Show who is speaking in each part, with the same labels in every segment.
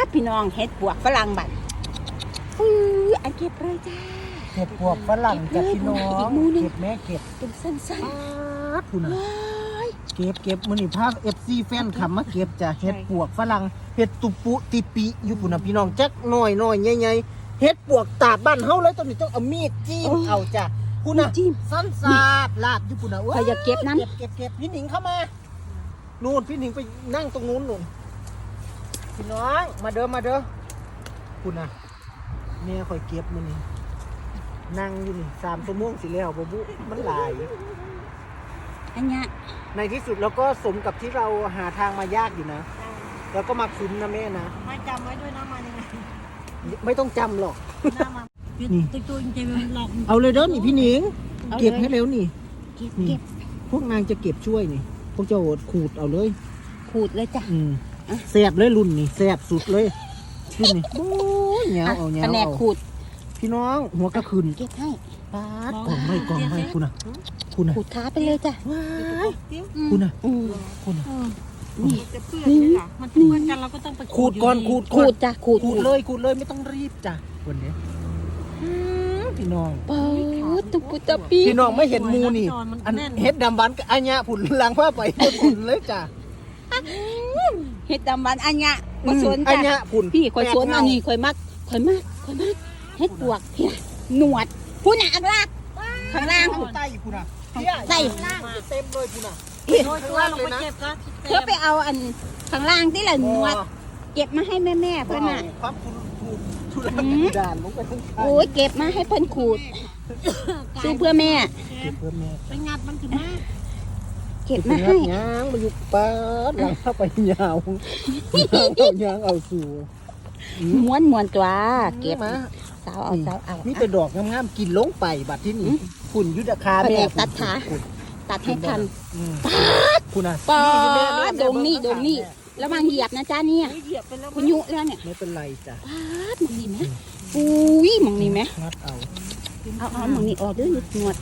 Speaker 1: พี่น้องเห็ดปวกฝรั่งบัดอันเก็บเลยจ้า
Speaker 2: เห็ดปวกฝรั่งจากพี่น้องเก็บแม่เก็บ
Speaker 1: เป็นสั้น
Speaker 2: ๆคุณนะเก็บมือนี่ภาพ FC แฟนขับมาเก็บจ้ะเห็ดปวกฝรั่งเห็ดตุปุติปิอยู่ปุ่นนะพี่น้องจักหน่อยใหญ่ๆเห็ดปวกตาดบ้านเฮาเลยตอนนี้ต้องเอามีดจิ้มเอาจ้ะคุณนะสั้นสาดลาดอยู่ปุ่นนะ
Speaker 1: ใครอยากเก็บนั้น
Speaker 2: เก็บพี่หนิงเข้ามานู่นพี่หนิงไปนั่งตรงนู้นนู่นพี่น้องมาเด้อคุณนะแม่คอยเก็บมือนี่นั่งอยู่นี่3 ชั่วโมงสิแล้วบ่บุมันหลาย
Speaker 1: อันเนี้ย
Speaker 2: ในที่สุดเราก็สมกับที่เราหาทางมายากอยู่นะแล้วก็มาคุ้มนะแม่นะ
Speaker 3: ไม่จำไว้ด้วยนะมายังไง
Speaker 2: ไม่ต้องจำหรอก
Speaker 3: นี่ตัวจริงๆหลอก
Speaker 2: เอาเลยเด้อนี่พี่หนิงเก็บให้เร็วนี่นี่พวกนางจะเก็บช่วยนี่พวกเจ้าขูดเอาเลย
Speaker 1: ขูดเลยจ้ะ
Speaker 2: แซ่บเลยรุ่นนี่แซ่บสุดเลยพี่นี่โอ้ยเหนียวเอาเหนียว
Speaker 1: เอาขูด
Speaker 2: พี่น้องหัวกระคืน
Speaker 1: เก็บให้
Speaker 2: ปาดกล่องให้คุณนะ
Speaker 1: ขูดท้าไปเลยจ้ะ
Speaker 2: คุณนะ
Speaker 3: นี่จะเปื้อนเลยค่ะมันเปื้อนกันเราก็ต้องไป
Speaker 2: ขูดก่อน
Speaker 1: ขูดจ้ะขูด
Speaker 2: เลยไม่ต้องรีบจ้ะวันนี้พี่น้อง
Speaker 1: ตุปุตปี
Speaker 2: พี่น้องไม่เห็นมูนี่อันเฮ็ดดำหวานกับอันเนี้ยผุนล้างผ้าไปผุนเลยจ้ะ
Speaker 1: เฮ็ดดำหวานอันเนี้ยมาสวนจ้ะ
Speaker 2: อันเนี้ยผุน
Speaker 1: พี่คอยสวนอันนี้คอยมักเฮ็ดปวกพี่หนวดผู้หนักลากข้างล่าง
Speaker 2: ใต้คุณอ่ะ
Speaker 1: ใต้
Speaker 2: ล่างเต็มเลยคุณอ่ะ
Speaker 3: ตัวลงไปเก็บนะ
Speaker 1: เพื่อไปเอาอันข้างล่างที่ละหนวดเก็บมาให้แม่เพื่อนน่ะ
Speaker 2: ความคุณทุลักด่านลงไปทั้ง
Speaker 1: โอ้ยเก็บมาให้เพื่อนขูดซื้อเพื่อแม่
Speaker 3: ไปงัดมันถึงมาก
Speaker 1: เก็บมาให้
Speaker 2: ยางมาอยู่ป้าหลังเข้าไปยาวยางเอาสู่
Speaker 1: ม้วนตัวเก็บมาสาวเอา
Speaker 2: นี่เป็นดอกงามๆกินลงไปบัดที่นี่ฝุ่นยุทธคาแม่
Speaker 1: ตัดขาตัดให้ทัน
Speaker 2: คุณอ่ะ
Speaker 1: ปอดงนี่แล้วมาเหยียบนะจ้าเนี่ยคุณยุแล้วเนี่ย
Speaker 2: ไม่เป็นไรจ้ะ
Speaker 1: มองนี่ไหมอุ้ยมองนี่ไหม
Speaker 2: งัดเอา
Speaker 1: มองนี่ออกด้วยหนวด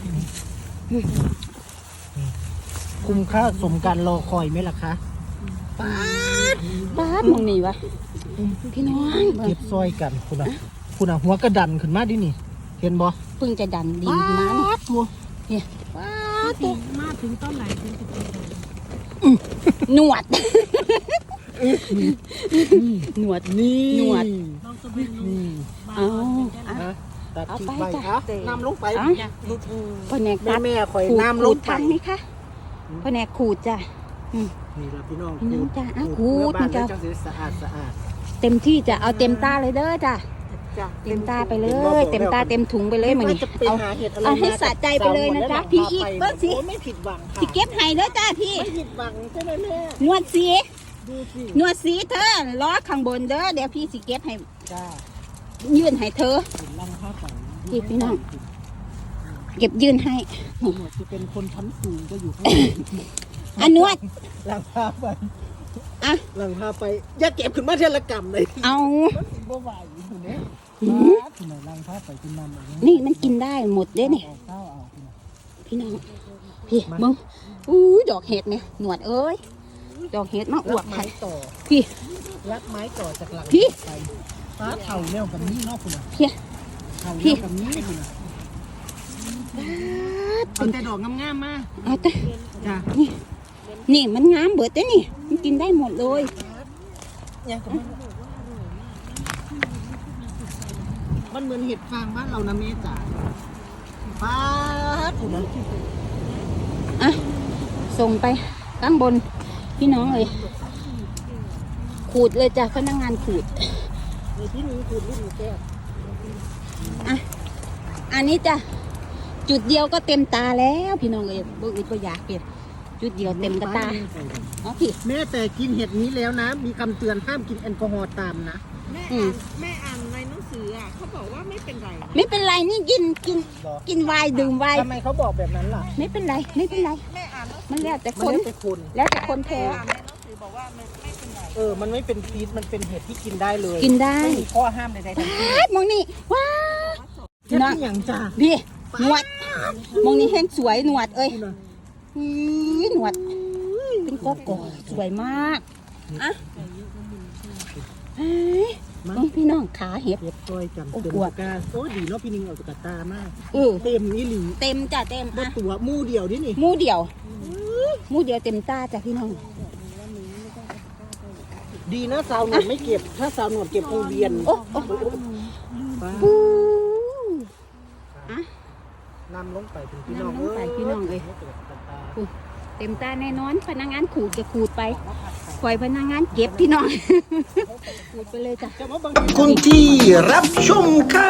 Speaker 2: คุ้มค่าสมการรอคอยไหมล่ะคะ
Speaker 1: ป้ามองนี่วะพี่น้อง
Speaker 2: เก็บซอยกันคุณอ่ะหัวกระดันขึ้นมาดินี่เห็นบ่
Speaker 1: เพิ่งจะดันดินมา
Speaker 2: ตัว
Speaker 1: เนี่ย
Speaker 3: ตัวมาถึงต้นไหนถึง
Speaker 1: หนวด
Speaker 2: หนวดตัดทิ้งไปน้ำลงไป
Speaker 1: พแนก
Speaker 2: แม่คอยน้ำลง
Speaker 1: ทันไหมคะพแนกขูดจ้ะ
Speaker 2: นี่ละพี่น้อง
Speaker 1: จ้ะขูดมันจะ
Speaker 2: สะอาด
Speaker 1: เต็มที่จะเอาเต็มตาเลยเด้อจ้ะเต็มตาไปเลยเต็มตาเต็มถุงไปเลยมันนี่เอาให้สะใจไปเลยนะจ๊ะพี่อีกเบิ้ลสิ
Speaker 2: ไม่ผิดหวังค่ะ
Speaker 1: พี่เก็บให้เด้อจ้ะพี่
Speaker 2: ไม่ผิดหวังใช่ไหมแม่
Speaker 1: นวดสีเธอล้อข้างบนเด้อเดี๋ยวพี่สิเก็บให้
Speaker 2: จ้า
Speaker 1: ยื่นให้เธอพี่น้องเก็บยื่นให้
Speaker 2: จะเป็นคนชั้นสูงก็อยู่ข้าง
Speaker 1: อันนวด
Speaker 2: หลังพาไปหลังพาไปอย่าเก็บขึ้นมาเทละกรรมเลย
Speaker 1: เอา
Speaker 2: บ่ไหวอยู่เนี่ยหลังพาไปกินน้ำ
Speaker 1: นี่มันกินได้หมดเด้เนี่ยพี่น้องพี่มึงดอกเห็ดเนี่ยหนวดเอ้ยดอกเห็ดมาอวบ
Speaker 2: ไม้ต่อ
Speaker 1: พี่
Speaker 2: รักไม้ต่อจากหลัง
Speaker 1: พี่
Speaker 2: ไปฟ้าเถ่าเร็วกับนี้นอกคุณ
Speaker 1: พี่
Speaker 2: เถ่าเร็วกับนี้คุณเอาแต่ดอกงามๆมา
Speaker 1: เอาแต่
Speaker 2: จ้ะ
Speaker 1: นี่มันงามเบิดเด้นี่มันกินได้หมดเลย
Speaker 2: มันเหมือนเห็ดฟางบ้านเรานะเมจ๋าป้าถูกนั้น
Speaker 1: ส่งไปข้างบนพี่น้องเลยขูดเลยจ้ะพนักงานขูด
Speaker 2: พี่หนูขูดลูกหนูแก้ว
Speaker 1: อันนี้จ้ะจุดเดียวก็เต็มตาแล้วพี่น้องเลยบ่อึดบ่อยากเปลี่ยนจุดเดียวเต็มกระตาพี่
Speaker 2: แม่แต่กินเห็ดนี้แล้วนะมีคำเตือนห้ามกินแอลกอฮอล์ตามนะ
Speaker 3: แม่อ่านในหนังสือเขาบอกว่าไม่เป็นไร
Speaker 1: นี่กินไวน์ดื่มไวน์
Speaker 2: ทำไมเขาบอกแบบนั้นล่ะ
Speaker 1: ไม่เป็นไร
Speaker 3: แม่อ่าน
Speaker 1: มันแล้วแต่คนแพ้
Speaker 3: ในหนังสือบอกว่าไม่เป็นไร
Speaker 2: มันไม่เป็นฟีดมันเป็นเห็ดที่กินได้เลย
Speaker 1: กินได้
Speaker 2: ไม่มีข้อห้ามใดๆทั้งสิ้น
Speaker 1: มองนี่ว้า
Speaker 2: น้องอย่างจ้า
Speaker 1: พี่หนวดมองนี่แห้งสวยหนวดเอ้ยหนวดเป็นก้อนสวยมาก
Speaker 2: มา
Speaker 1: พี่น้องขาเห็ด
Speaker 2: เก็บต้อยกัน
Speaker 1: โอ้
Speaker 2: เต็ม
Speaker 1: ปวด
Speaker 2: ตะกร้าโอ้ดีเนาะพี่นิงเอาตะกร้ามาก
Speaker 1: เต็ม
Speaker 2: เต็มนี่หลี
Speaker 1: เต็มจ้ะเต็ม
Speaker 2: บ่ตัวหมู่เดียวนี่นี่
Speaker 1: หมู่เดียวหมู่เดียวเต็มตาจ้ะพี่น้อง
Speaker 2: ดีนะสาวหนวดไม่เก็บ ถ้าสาวหนวดเก็บคงเวียน
Speaker 1: โอ้
Speaker 2: ป้า
Speaker 1: ปู
Speaker 2: นำลงไปถึงพี่น้อง
Speaker 1: นำลงไปพี่น้องเอ้ย เต็มตาแน่นอนพนักงานขูดจะขูดไปปล่อยพนักงานเก็บพี่น้อง ขูดไปเลยจ้ะ
Speaker 2: คุณที่รับชมค่ะ